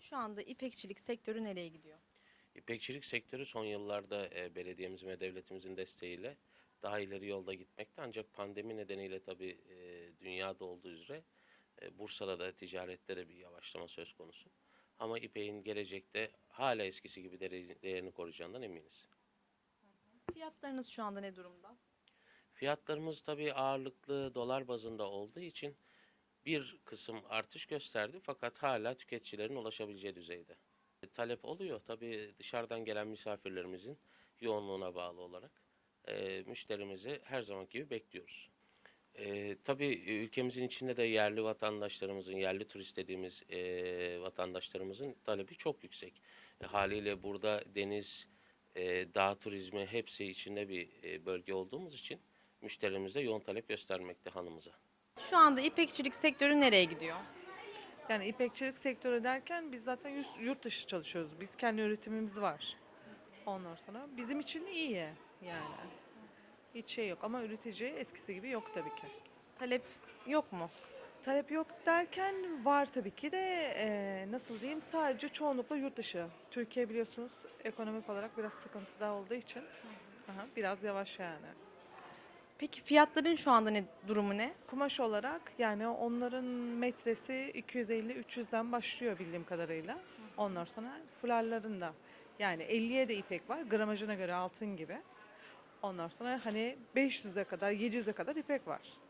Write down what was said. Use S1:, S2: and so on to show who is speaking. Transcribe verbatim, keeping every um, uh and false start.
S1: Şu anda ipekçilik sektörü nereye gidiyor?
S2: İpekçilik sektörü son yıllarda e, belediyemizin ve devletimizin desteğiyle daha ileri yolda gitmekte. Ancak pandemi nedeniyle tabii e, dünyada olduğu üzere e, Bursa'da da ticarette de bir yavaşlama söz konusu. Ama ipeğin gelecekte hala eskisi gibi dere- değerini koruyacağından eminiz.
S1: Fiyatlarınız şu anda ne durumda?
S2: Fiyatlarımız tabii ağırlıklı dolar bazında olduğu için bir kısım artış gösterdi fakat hala tüketicilerin ulaşabileceği düzeyde. E, Talep oluyor tabii dışarıdan gelen misafirlerimizin yoğunluğuna bağlı olarak e, müşterimizi her zaman gibi bekliyoruz. E, tabii ülkemizin içinde de yerli vatandaşlarımızın, yerli turist dediğimiz e, vatandaşlarımızın talebi çok yüksek. E, haliyle burada deniz, e, dağ turizmi hepsi içinde bir e, bölge olduğumuz için müşterimiz de yoğun talep göstermekte hanımıza.
S1: Şu anda ipekçilik sektörü nereye gidiyor?
S3: Yani ipekçilik sektörü derken biz zaten yus- yurt dışı çalışıyoruz. Biz kendi üretimimiz var. Ondan sonra bizim için iyi yani. Hiç şey yok ama üretici eskisi gibi yok tabii ki.
S1: Talep yok mu?
S3: Talep yok derken var tabii ki de eee, nasıl diyeyim sadece çoğunlukla yurt dışı. Türkiye biliyorsunuz ekonomik olarak biraz sıkıntıda olduğu için aha, biraz yavaş yani.
S1: Peki fiyatların şu anda ne durumu ne?
S3: Kumaş olarak yani onların metresi iki yüz elli üç yüzden başlıyor bildiğim kadarıyla. Ondan sonra fularların da yani elliye de ipek var gramajına göre altın gibi. Ondan sonra hani beş yüze kadar yedi yüze kadar ipek var.